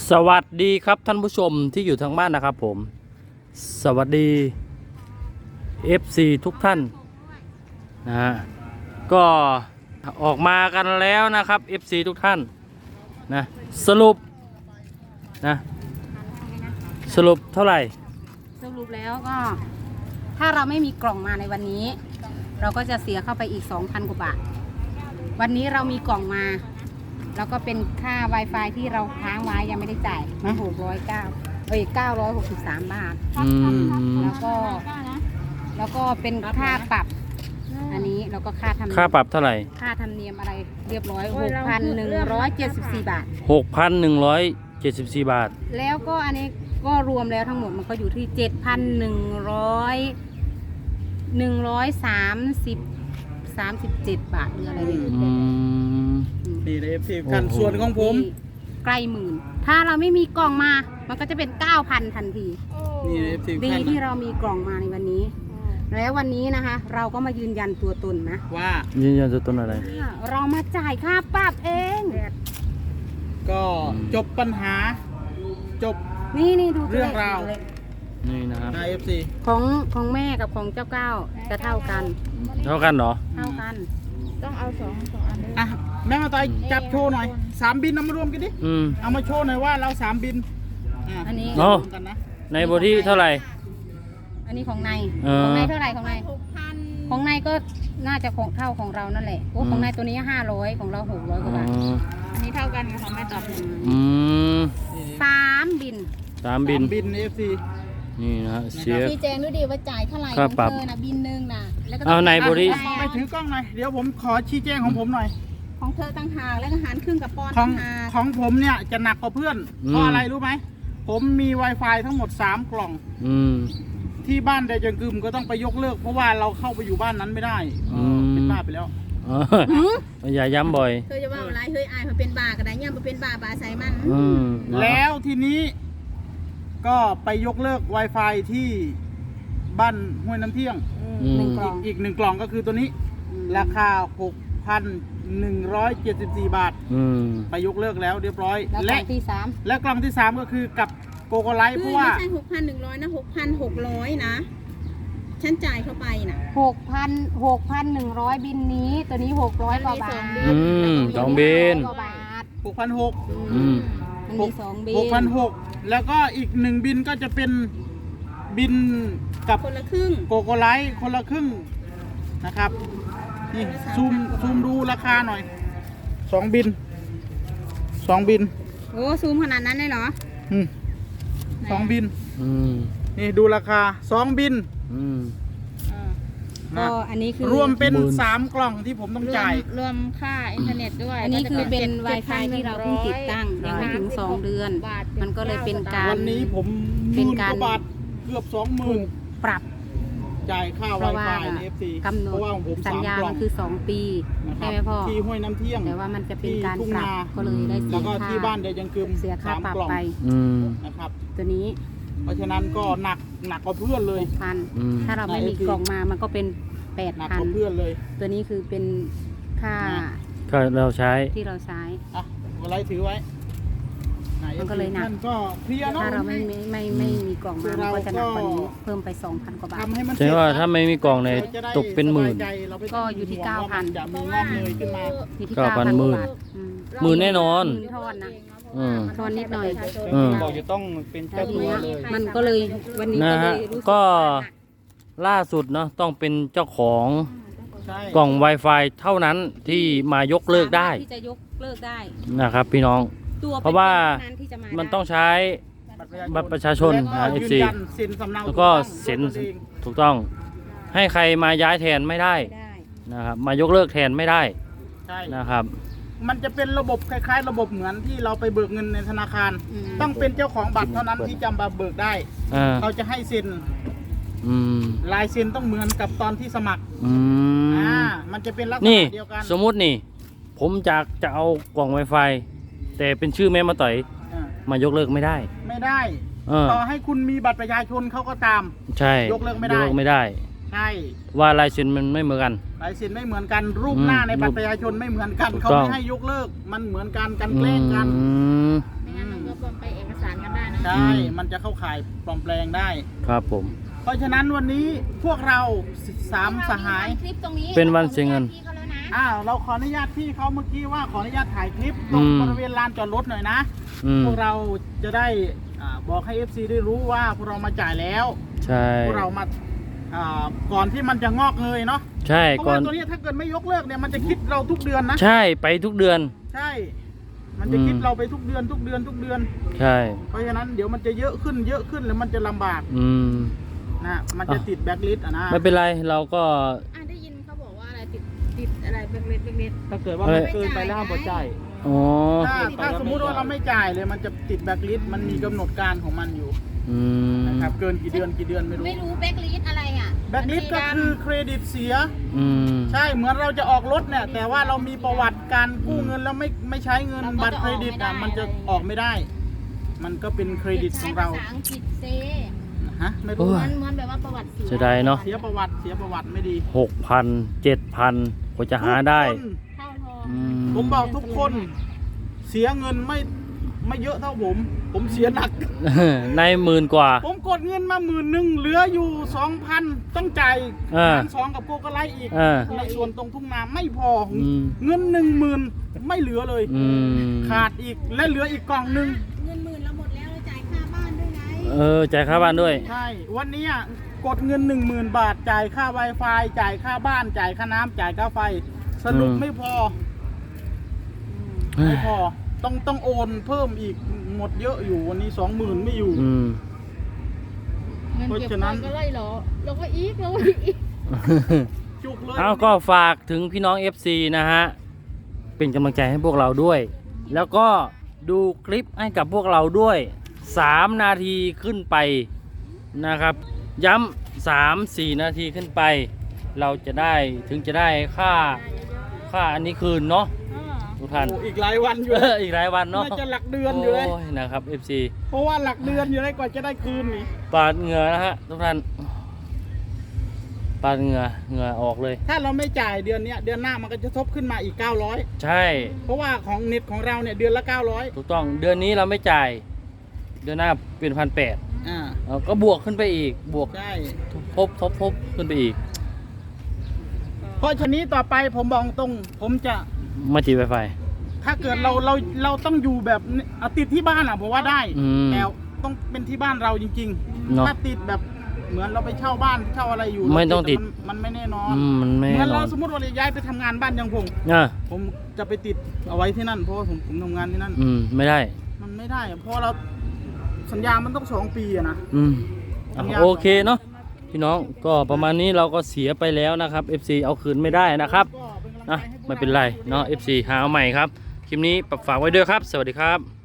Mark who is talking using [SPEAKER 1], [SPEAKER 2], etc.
[SPEAKER 1] สวัสดีครับท่านผู้ชมที่อยู่ทางบ้านนะครับผมสวัสดี FC ทุกท่านนะฮะก็ออกมากันแล้วนะครับ FC ทุกท่านนะสรุปนะสรุปเท่าไหร่
[SPEAKER 2] สรุปแล้วก็ถ้าเราไม่มีกล่องมาในวันนี้เราก็จะเสียเข้าไปอีก 2,000 กว่าบาทวันนี้เรามีกล่องมาแล้วก็เป็นค่า Wi-Fi ที่เราค้างไว้ยังไม่ได้จ่าย963 บาทแล้วก็เป็นค่าปรับอันนี้แล้วก็ค่า
[SPEAKER 1] ปรับเท่าไหร่
[SPEAKER 2] ค่าธรรมเนียมอะไรเรียบร้อย 6,174 บาท
[SPEAKER 1] 6,174 บาท
[SPEAKER 2] แล้วก็อันนี้ก็รวมแล้วทั้งหมดมันก็อยู่ที่ 7,137 บาทหรืออะไรเนี่ย
[SPEAKER 3] นี่เลยพี่กันส่วนของผม
[SPEAKER 2] ใกล้หมื่นถ้าเราไม่มีกล่องมามันก็จะเป็น 9,000 ทันที
[SPEAKER 3] นี่เลย
[SPEAKER 2] ดีที่เรามีกล่องมาในวันนี้แล้ววันนี้นะคะเราก็มายืนยันตัวตนนะ
[SPEAKER 3] ว่า
[SPEAKER 1] ยืนยันตัวตนอะไร
[SPEAKER 2] เรามาจ่ายค่าปรับเอง
[SPEAKER 3] ก็จบปัญหาจบ
[SPEAKER 2] นี่ดู
[SPEAKER 3] เรื่องราว
[SPEAKER 1] นี่นะครับ
[SPEAKER 3] ใน FC
[SPEAKER 2] ของแม่กับของเจ้าเก้าจะเท่ากัน
[SPEAKER 1] เหรอ
[SPEAKER 2] เท่ากัน
[SPEAKER 4] ต้องเอาสองอันเลย
[SPEAKER 3] อ่ะแม่มาต่อยจับโชว์หน่อย3 บินเอามารวมกันดิเอามาโชว์หน่อยว่าเรา3 บิน
[SPEAKER 2] อันนี้
[SPEAKER 1] รวมกันนะในบทที่เท่าไหร่
[SPEAKER 2] อันนี้ของในเท่าไหร่ของในก็น่าจะเท่าของเรานั่นแหละของในตัวนี้500ของเรา600กว่าบาท
[SPEAKER 4] อันนี้เท่ากันกับของแม่ตอบ
[SPEAKER 2] 3 บิน
[SPEAKER 3] บิน FC
[SPEAKER 1] นี่นะเสีย
[SPEAKER 4] ชี้แจงดูดิว่าจ่ายเท่าไหร่ของเธอนะบินนึงนะ
[SPEAKER 1] แล้วก็เอาในบริ
[SPEAKER 3] ไปถือกล้องหน่อยเดี๋ยวผมขอชี้แจงของผมหน่อย
[SPEAKER 4] ของเธอตั้งหากแล้วก็หารครึ่งกับปอน
[SPEAKER 3] ของผมเนี่ยจะหนักกว่าเพื่อนเพราะอะไรรู้ไหมผมมี Wi-Fi ทั้งหมด3 กล่องที่บ้านแต่จังกึมก็ต้องไปยกเลิกเพราะว่าเราเข้าไปอยู่บ้านนั้นไม่ได้เป็นบ้าไปแล้ว
[SPEAKER 1] อย่าย้ำบ่อย
[SPEAKER 4] เธอจะว่าอะไรเฮ้ยอายมาเป็นบ้ากันได้เนี่ยมาเป็นบ้าใส่มัน
[SPEAKER 3] แล้วทีนี้ก็ไปยกเลิก Wi-Fi ที่บ้านห้วยน้ำเที่ยงอีก1 กล่องก็คือตัวนี้ราคา 6,174 บาทไปยกเลิกแล้วเรียบร้อย
[SPEAKER 2] และ
[SPEAKER 3] กล่องที่ 3ก็คือกับโกโกไลท์เพราะว่า
[SPEAKER 4] ไม่ใช่ 6,100 นะ 6,600 นะฉันจ่ายเข้าไปนะ
[SPEAKER 2] 6,100 บินนี้ตัวนี้600 กว่าบาท
[SPEAKER 1] 2 บิน
[SPEAKER 3] 6,600
[SPEAKER 2] มันมี2 บิน
[SPEAKER 3] 6,600แล้วก็อีก1 บินก็จะเป็นบินกับ
[SPEAKER 4] คนละครึ่ง
[SPEAKER 3] โกโกไลท์คนละครึ่งนะครับนี่ซูมดูราคาหน่อย2 บิน
[SPEAKER 2] โอ้ซูมขนาดนั้นเลยเหรอ
[SPEAKER 3] 2 บินนี่ดูราคา2 บิน
[SPEAKER 2] ก็อันนี้คือ
[SPEAKER 3] รวมเป็น3 กล่องที่ผมต้องจ่าย
[SPEAKER 4] รวมค่าอินเทอร์เน็ตด้วย
[SPEAKER 2] อันนี้คือเป็น Wi-Fi ที่เราเพิ่งติดตั้งยังไม่ถึง2 เดือนมันก็เลยเป็นการ
[SPEAKER 3] วันนี้ผม
[SPEAKER 2] เป็นการ
[SPEAKER 3] บาทเกือบ 20,000
[SPEAKER 2] ปรับ
[SPEAKER 3] จ่ายค่า Wi-Fi ใน FC
[SPEAKER 2] เพราะว่าสัญญามันคือ2 ปีใช่ไหมพ่อ
[SPEAKER 3] ที่ห้วยน้ำเที่ยง
[SPEAKER 2] แต่ว่ามันจะเป็นการปรับก็เลยได้เสียค่า
[SPEAKER 3] แล้วก็ที่บ้านเดยังกึม
[SPEAKER 2] เสียค่าปรับไป
[SPEAKER 3] นะครับ
[SPEAKER 2] ตัวนี้
[SPEAKER 3] เพราะฉะนั้นก็หนักกว่าเพื่อนเลย
[SPEAKER 2] 6,000ถ้าเราไม่มีกล่องมามันก็เป็น8,000
[SPEAKER 3] หนักกว่าเพื่อนเลย
[SPEAKER 2] ตัวนี้คือเป็นค่า
[SPEAKER 1] เราใช้
[SPEAKER 2] ที่เราใช้
[SPEAKER 3] อะไรถือไว้
[SPEAKER 2] มันก็เลยหนัก
[SPEAKER 3] ก็เพลียเนาะ
[SPEAKER 2] ถ้าเราไม่มีกล่องมามันก็จะหนักกว่านี้เพิ่มไป 2,000 กว่าบาท
[SPEAKER 1] ใช่ว่าถ้าไม่มีกล่องในตกเป็นหมื่น
[SPEAKER 2] ก็อยู่ที่ 9,000
[SPEAKER 3] จะมีงอกเงยขึ้นมา
[SPEAKER 2] อยู่ที่ 9,000 บาท
[SPEAKER 1] หมื่นแน่นอน
[SPEAKER 2] ทอนนะทอนนิดหน่อย
[SPEAKER 3] บอกจะต้องเป็นเจ้าตัวเลย
[SPEAKER 2] มันก็เลยวันนี้ก็เลยรู้สึก
[SPEAKER 1] ก็ล่าสุดเนาะต้องเป็นเจ้าของกล่อง Wi-Fi เท่านั้นที่มายกเลิกได้
[SPEAKER 2] ที่จะยกเลิกได้
[SPEAKER 1] นะครับพี่น้องเพราะว่ามันต้องใช้บัตรประชาชนFC แล้วก็เซ็นถูกต้องให้ใครมาย้ายแทนไม่ได้นะครับมายกเลิกแทนไม่ได้นะครับ
[SPEAKER 3] มันจะเป็นระบบคล้ายๆระบบเหมือนที่เราไปเบิกเงินในธนาคารต้องเป็นเจ้าของบัตรเท่านั้นที่จะมาเบิกได้เขาจะให้เซ็นลายเซ็นต้องเหมือนกับตอนที่สมัครมันจะเป็นลักษณะเดียวกัน
[SPEAKER 1] สมมุตินี่ผมจะเอากล่อง Wi-Fi แต่เป็นชื่อแม่มาต่อยมายกเลิกไม่ได้
[SPEAKER 3] ต่อให้คุณมีบัตรประชาชนเขาก็ตาม
[SPEAKER 1] ใช่
[SPEAKER 3] ยกเลิกไม่ได้ใช่
[SPEAKER 1] ว่าลายเซ็นมันไม่เหมือนกัน
[SPEAKER 3] ลายเซ็นไม่เหมือนกันรูปหน้าในบัตรประชาชนไม่เหมือนกันเขาไม่ให้ยกเลิกมันเหมือนกันแกล้งกัน
[SPEAKER 4] ไม่งั้นมันก็ไปแอ
[SPEAKER 3] ใช่มันจะเข้าข่ายปลอมแปลงได้
[SPEAKER 1] ครับผม
[SPEAKER 3] เพราะฉะนั้นวันนี้พวกเราสามสหาย
[SPEAKER 2] คลิปตรงนี้
[SPEAKER 1] เป็นวันเสียเงิน
[SPEAKER 2] พี่เขาแล้วนะ
[SPEAKER 3] เราขออนุญาตพี่เขาเมื่อกี้ว่าขออนุญาตถ่ายคลิปตรง
[SPEAKER 1] อืม
[SPEAKER 3] บริเวณลานจอดรถหน่อยนะ พวกเราจะได้บอกให้ FC ได้รู้ว่าพวกเรามาจ่ายแล้ว
[SPEAKER 1] ใช่
[SPEAKER 3] พวกเรามาก่อนที่มันจะงอกเงยเนาะ
[SPEAKER 1] ใช่
[SPEAKER 3] เพราะ
[SPEAKER 1] ก่อ
[SPEAKER 3] ว่าน ตัวนี้ถ้าเกิดไม่ยกเลิกเนี่ยมันจะคิดเราทุกเดือนนะ
[SPEAKER 1] ใช่ไปทุกเดือน
[SPEAKER 3] ใช่ มันจะคิดเราไปทุกเดือนทุกเดือนทุกเดือน
[SPEAKER 1] ใช่
[SPEAKER 3] เพราะฉะนั้นเดี๋ยวมันจะเยอะขึ้นแล้วมันจะลำบาก
[SPEAKER 1] อืม
[SPEAKER 3] นะมันจะติดแบ็คลิสต์นะ
[SPEAKER 1] ไม่เป็นไรเราก็
[SPEAKER 4] ได้ยินเขาบอกว่าอะไรติดอะไรเบ็ด
[SPEAKER 3] ถ้าเกิดว่ามันเกินไปแล้วห้ามจ่าย
[SPEAKER 1] อ๋อ
[SPEAKER 3] ถ้าสมมุติว่าเราไม่จ่ายเลยมันจะติดแบ็คลิสต์มันมีกำหนดการของมันอยู่
[SPEAKER 1] อืม
[SPEAKER 3] นะครับเกินกี่เดือนไม่รู้
[SPEAKER 2] ไม่รู้แบ็คลิสอะไรอ่ะ
[SPEAKER 3] แบ็คลิสต์ก็คือเครดิตเสีย
[SPEAKER 1] อืม
[SPEAKER 3] ใช่เหมือนเราจะออกรถเนี่ยแต่ว่าเรามีประวัติการกู้เงินแล้วไม่ใช้เงินบัตรเครดิตมันจะออกไม่ได้ มันก็เป็นเครดิตของเรา
[SPEAKER 2] ภาษาอังกฤษเซ
[SPEAKER 3] ฮะไม่
[SPEAKER 1] โอ้
[SPEAKER 3] รู้
[SPEAKER 1] ย
[SPEAKER 2] มันแบบว่าประวัติเสีย
[SPEAKER 1] เสียดายเนาะ
[SPEAKER 3] เสียประวัติไม่ดี
[SPEAKER 1] 6,000 7,000กว่าจะหาได้
[SPEAKER 3] ทุกคน
[SPEAKER 2] เข้าทอง
[SPEAKER 1] อืม
[SPEAKER 3] ผมบอกทุกคน เสียเงินไม่เยอะเท่าผมเสียหนัก
[SPEAKER 1] ในหมื่นกว่า
[SPEAKER 3] ผมกดเงินมา10,000เหลืออยู่ 2,000ต้องจ่าย
[SPEAKER 1] อ่า
[SPEAKER 3] หารสองกับโกกะไลอีก
[SPEAKER 1] อ่า
[SPEAKER 3] ในส่วนตรงทุ่งนาไม่พออ
[SPEAKER 1] ม
[SPEAKER 3] เงิน10,000ไม่เหลือเลย
[SPEAKER 1] อืม
[SPEAKER 3] ขาดอีกและเหลืออีกกล่องหนึ่ง
[SPEAKER 4] เงิน10,000เราหมดแล้วเราจ่ายค่าบ้านด้วยไง
[SPEAKER 1] จ่ายค่าบ้านด้วย
[SPEAKER 3] ใช่วันนี้กดเงิน 10,000 บาทจ่ายค่า Wi-Fi จ่ายค่าบ้านจ่ายค่าน้ำจ่ายค่าไฟ สรุปไม่พอ ไม่พอต้องโอนเพิ่มอีกหมดเยอะอยู่วันนี้ 20,000ไม่อยู่
[SPEAKER 1] อืม
[SPEAKER 2] เงิน
[SPEAKER 3] เพราะ
[SPEAKER 2] เก็บ
[SPEAKER 3] ฉะนั้น
[SPEAKER 2] ก็ไล่เหรอเราก็อีก
[SPEAKER 3] จุกเลย
[SPEAKER 1] เอาก็ฝากถึงพี่น้อง FC นะฮะ เป็นกำลังใจให้พวกเราด้วย แล้วก็ดูคลิปให้กับพวกเราด้วย 3 นาทีขึ้นไปนะครับ ย้ำ3-4 นาทีขึ้นไป เราจะได้ถึงจะได้ค่าอันนี้คืนเนาะทุกท่าน
[SPEAKER 3] โอ้อีกหลายวันอยู่
[SPEAKER 1] อีกหลายวันเนาะ
[SPEAKER 3] น่าจะหลักเดือนอยู่เลย
[SPEAKER 1] โอ้ยนะครับ FC
[SPEAKER 3] เพราะว่าหลักเดือนอยู่เลยกว่าจะได้คืนนี่
[SPEAKER 1] ปาดเหงื่อนะฮะทุกท่านปาดเหงื่อออกเลย
[SPEAKER 3] ถ้าเราไม่จ่ายเดือนเนี้ยเดือนหน้ามันก็จะทบขึ้นมาอีก 900
[SPEAKER 1] ใช่
[SPEAKER 3] เพราะว่าของเน็ตของเราเนี่ยเดือนละ 900
[SPEAKER 1] ถูกต้องเดือนนี้เราไม่จ่าย เดือนหน้าเป็น1,800ก็บวกขึ้นไปอีกบวก
[SPEAKER 3] ใช่
[SPEAKER 1] ทบขึ้นไปอีก
[SPEAKER 3] เพราะฉะนี้ต่อไปผมบอกตรงผมจะ
[SPEAKER 1] มาจีไวไฟ
[SPEAKER 3] ถ้าเกิดเราต้องอยู่แบบเอาติดที่บ้านผมว่าได้
[SPEAKER 1] อืม
[SPEAKER 3] แต่ต้องเป็นที่บ้านเราจริง
[SPEAKER 1] เนอะ
[SPEAKER 3] ถ้าติดแบบเหมือนเราไปเช่าบ้านเช่าอะไรอยู่
[SPEAKER 1] ไม่ต้องติด
[SPEAKER 3] มันไม่แน่นอน
[SPEAKER 1] มันไม่
[SPEAKER 3] เหมือน
[SPEAKER 1] นอ
[SPEAKER 3] เรา
[SPEAKER 1] น
[SPEAKER 3] สมมติว่าเราย้ายไปทำงานบ้านยังพง
[SPEAKER 1] อ่ะ
[SPEAKER 3] ผมจะไปติดเอาไว้ที่นั่นเพราะว่าผมทำงานที่นั่น
[SPEAKER 1] ไม่ได้
[SPEAKER 3] มันไม่ได้อะเพราะเราสัญญามันต้อง2 ปีอะนะ
[SPEAKER 1] อ่ะโอเคเนาะพี่น้องก็ประมาณนี้เราก็เสียไปแล้วนะครับ FC เอาคืนไม่ได้นะครับ
[SPEAKER 3] ก็เป็นกำลังใจ
[SPEAKER 1] นะ
[SPEAKER 3] ให้พวก
[SPEAKER 1] ไม่เป็นไรเนาะ FC หาเอาใหม่ครับคลิปนี้ฝากไว้ด้วยครับ สวัสดีครับ